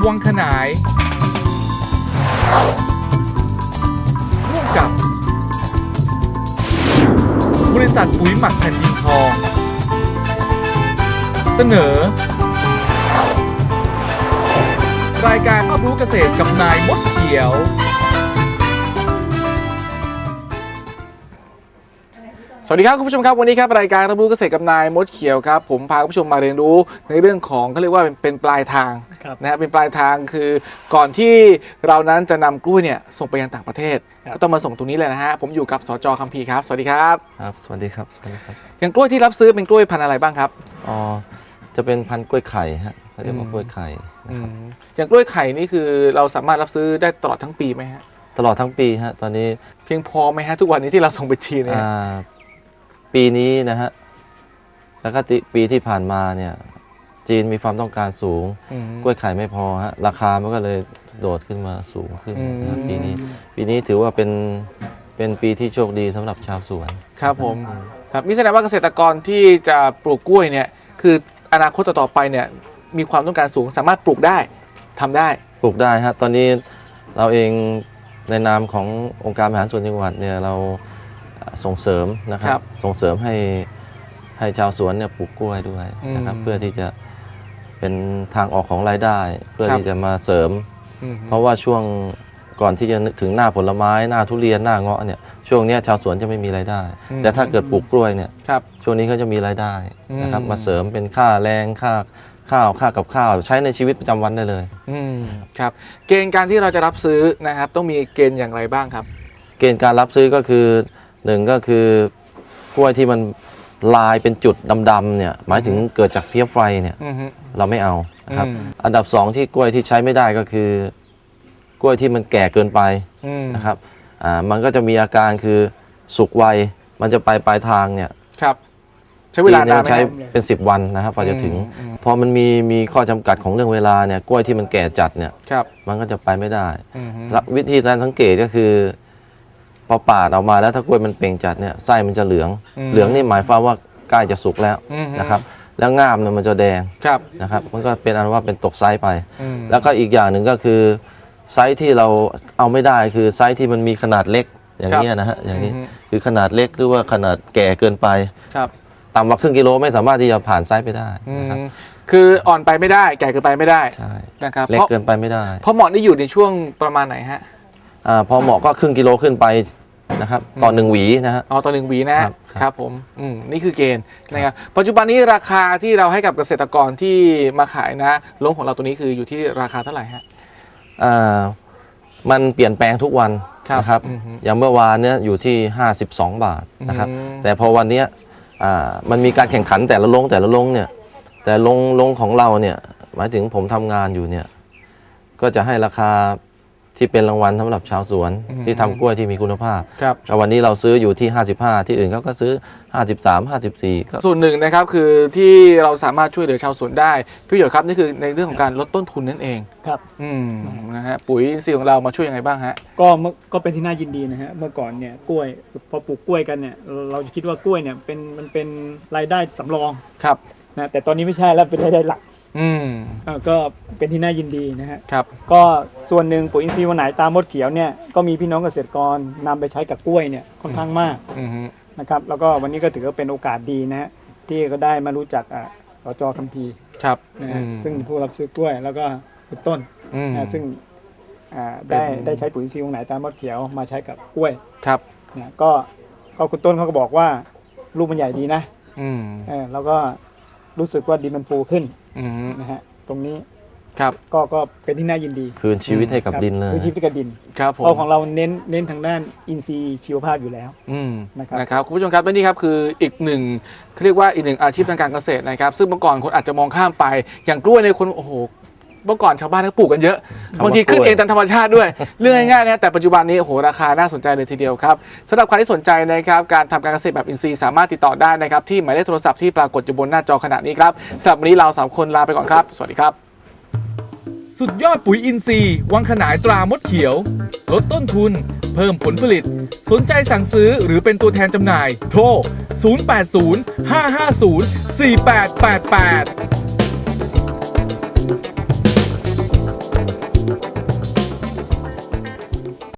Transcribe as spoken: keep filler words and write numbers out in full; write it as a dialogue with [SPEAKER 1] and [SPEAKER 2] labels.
[SPEAKER 1] วังขนายร่วมกับบริษัทปุ๋ยหมักแผ่นดินทองเสนอรายการรับรู้เกษตรกับนายมดเขียวสวัสดีครับคุณผู้ชมครับวันนี้ครับรายการรับรู้เกษตรกับนายมดเขียวครับผมพาคุณผู้ชมมาเรียนรู้ในเรื่องของเขาเรียกว่าเป็นเป็นปลายทางนะฮะเป็นปลายทางคือก่อนที่เรานั้นจะนำกล้วยเนี่ยส่งไปยังต่างประเทศก็ต้องมาส่งตรงนี้เลยนะฮะผมอยู่กับสจ.คัมภีร์ครับสวัสดีครับ
[SPEAKER 2] ครับสวัสดีครับสวัสดีครับ
[SPEAKER 1] อย่างกล้วยที่รับซื้อเป็นกล้วยพันธุ์อะไรบ้างครับ
[SPEAKER 2] อ๋อจะเป็นพันธุ์กล้วยไข่ฮะเขาเรียกว่ากล้วยไข่
[SPEAKER 1] อย่างกล้วยไข่นี่คือเราสามารถรับซื้อได้ตลอดทั้งปีไหมฮะ
[SPEAKER 2] ตลอดทั้งปีฮะตอนนี้
[SPEAKER 1] เพียงพอไหมฮะทุกวันนี้ที่เราส่งไปจีนเนี่ย
[SPEAKER 2] ปีนี้นะฮะแล้วก็ปีที่ผ่านมาเนี่ยจีนมีความต้องการสูงกล้วยไข่ไม่พอฮะราคามันก็เลยโดดขึ้นมาสูงขึ้นนะปีนี้ปีนี้ถือว่าเป็นเป็นปีที่โชคดีสำหรับชาวสวน
[SPEAKER 1] ครับผมครับนี่แสดงว่าเกษตรกรที่จะปลูกกล้วยเนี่ยคืออนาคตต่อไปเนี่ยมีความต้องการสูงสามารถปลูกได้ทำได้
[SPEAKER 2] ปลูกได้ฮะตอนนี้เราเองในนามขององค์การบริหารส่วนจังหวัดเนี่ยเราส่งเสริมนะครับส่งเสริมให้ให้ชาวสวนเนี่ยปลูกกล้วยด้วยนะครับเพื่อที่จะเป็นทางออกของรายได้เพื่อที่จะมาเสริมเพราะว่าช่วงก่อนที่จะถึงหน้าผลไม้หน้าทุเรียนหน้าเงาะเนี่ยช่วงนี้ชาวสวนจะไม่มีรายได้แต่ถ้าเกิดปลูกกล้วยเนี่ยช่วงนี้เขาจะมีรายได้นะครับมาเสริมเป็นค่าแรงค่าข้าวค่ากับข้าวใช้ในชีวิตประจำวันได้เลย
[SPEAKER 1] อืมครับเกณฑ์การที่เราจะรับซื้อนะครับต้องมีเกณฑ์อย่างไรบ้างครับ
[SPEAKER 2] เกณฑ์การรับซื้อก็คือหนึ่งก็คือกล้วยที่มันลายเป็นจุดดำๆเนี่ยหมายถึงเกิดจากเพี้ยไฟเนี่ยเราไม่เอานะครับอันดับสองที่กล้วยที่ใช้ไม่ได้ก็คือกล้วยที่มันแก่เกินไปนะครับอ่ามันก็จะมีอาการคือสุกไวมันจะไปปลายทางเนี่ย
[SPEAKER 1] ครับใช้เวลานานไหม
[SPEAKER 2] ใช้เป็นสิบวันนะครับพอจะถึงพอมันมีมีข้อจำกัดของเรื่องเวลาเนี่ยกล้วยที่มันแก่จัดเนี่ยมันก็จะไปไม่ได้วิธีการสังเกตก็คือพอปาดออกมาแล้วถ้ากล้วยมันเปล่งจัดเนี่ยไส้มันจะเหลืองเหลืองนี่หมายความว่าใกล้จะสุกแล้วนะครับแล้วง่ามเนี่ยมันจะแดงนะครับมันก็เป็นอันว่าเป็นตกไซส์ไปแล้วก็อีกอย่างหนึ่งก็คือไซส์ที่เราเอาไม่ได้คือไซส์ที่มันมีขนาดเล็กอย่างนี้นะฮะอย่างนี้คือขนาดเล็กหรือว่าขนาดแก่เกินไปต่ำกว่าครึ่งกิโลไม่สามารถที่จะผ่านไซส์ไปได้นะครับ
[SPEAKER 1] คืออ่อนไปไม่ได้แก่เกินไปไม่ได้
[SPEAKER 2] ใช่
[SPEAKER 1] นะครับ
[SPEAKER 2] เล็กเกินไปไม่ได้
[SPEAKER 1] เพราะเหมาะนี่อยู่ในช่วงประมาณไหนฮะ
[SPEAKER 2] อ่าพอเหมาะก็ครึ่งกิโลขึ้นไปนะครับต่อหนึ่งหวีนะฮะ
[SPEAKER 1] อ๋อต่อหนึ่งหวีนะครับผมอืมนี่คือเกณฑ์นะครับปัจจุบันนี้ราคาที่เราให้กับเกษตรกรที่มาขายนะลงของเราตัวนี้คืออยู่ที่ราคาเท่าไหร่ฮะ
[SPEAKER 2] อ่ามันเปลี่ยนแปลงทุกวันนะครับอย่างเมื่อวานเนี้ยอยู่ที่ห้าสิบสองบาทนะครับแต่พอวันนี้อ่ามันมีการแข่งขันแต่ละลงแต่ละลงเนี่ยแต่ลงลงของเราเนี่ยหมายถึงผมทำงานอยู่เนี่ยก็จะให้ราคาที่เป็นรางวัลสำหรับชาวสวนที่ทำกล้วยที่มีคุณภาพครับวันนี้เราซื้ออยู่ที่ห้าสิบห้าที่อื่นเขาก็ซื้อห้าสิบสาม ห้าสิบสี่ก็
[SPEAKER 1] ส่วนหนึ่งนะครับคือที่เราสามารถช่วยเหลือชาวสวนได้พี่หยดครับนี่คือในเรื่องของการลดต้นทุนนั่นเอง
[SPEAKER 3] ครับ
[SPEAKER 1] อืมนะฮะปุ๋ยอินทรีย์ของเรามาช่วยยังไงบ้างฮะ
[SPEAKER 3] ก็ก็เป็นที่น่ายินดีนะฮะเมื่อก่อนเนี่ยกล้วยพอปลูกกล้วยกันเนี่ยเราจะคิดว่ากล้วยเนี่ยเป็นมันเป็นรายได้สำรอง
[SPEAKER 1] ครับ
[SPEAKER 3] นะแต่ตอนนี้ไม่ใช่แล้วเป็นรายได้หลัก
[SPEAKER 1] อืม
[SPEAKER 3] อ่าก็เป็นที่น่ายินดีนะฮะ
[SPEAKER 1] ครับ
[SPEAKER 3] ก็ส่วนหนึ่งปุ๋ยอินทรีย์วันไหนตามมดเขียวเนี่ยก็มีพี่น้องเกษตรกรนำไปใช้กับกล้วยเนี่ยค่อนข้างมากนะครับแล้วก็วันนี้ก็ถือว่าเป็นโอกาสดีนะฮะที่ก็ได้มารู้จักอ่าสจ.คัมภีร์
[SPEAKER 1] ครับ
[SPEAKER 3] นะฮะซึ่งผู้รับซื้อกล้วยแล้วก็คุณต้นนะซึ่งอ่าได้ได้ใช้ปุ๋ยอินทรีย์วันไหนตามมดเขียวมาใช้กับกล้วย
[SPEAKER 1] ครับ
[SPEAKER 3] เนี่ยก็ก็คุณต้นเขาก็บอกว่าลูกมันใหญ่ดีนะ
[SPEAKER 1] อืม
[SPEAKER 3] เออแล้วก็รู้สึกว่าดินมันฟูขึ้นนะฮะตรงนี้
[SPEAKER 1] ครับ
[SPEAKER 3] ก็ก็เป็นที่น่ายินดี
[SPEAKER 2] คืนชีวิตให้กับดินเลย
[SPEAKER 3] คืนชีวิตกับดิน
[SPEAKER 1] ครับผม
[SPEAKER 3] เพราะของเราเน้นเน้นทางด้านอินทรีย์ชีวภาพอยู่แล้ว
[SPEAKER 1] นะครับนะครับคุณผู้ชมครับและนี่ครับคืออีกหนึ่งเขาเรียกว่าอีกหนึ่งอาชีพทางการเกษตรนะครับซึ่งเมื่อก่อนคนอาจจะมองข้ามไปอย่างกล้วยในคนโอ้โหเมื่อก่อนชาวบ้านก็ปลูกกันเยอะบางทีขึ้นเองตามธรรมชาติด้วยเรื่องง่ายๆนะแต่ปัจจุบันนี้โอ้โหราคาน่าสนใจเลยทีเดียวครับสำหรับใครที่สนใจนะครับการทำการเกษตรแบบอินทรีย์สามารถติดต่อได้นะครับที่หมายเลขโทรศัพท์ที่ปรากฏอยู่บนหน้าจอขณะนี้ครับสำหรับวันนี้เราสามคนลาไปก่อนครับสวัสดีครับสุดยอดปุ๋ยอินทรีย์วังขนายตรามดเขียวลดต้นทุนเพิ่มผลผลิตสนใจสั่งซื้อหรือเป็นตัวแทนจำหน่ายโทรศูนย์ แปด ศูนย์ ห้า ห้า ศูนย์ สี่ แปด แปด แปด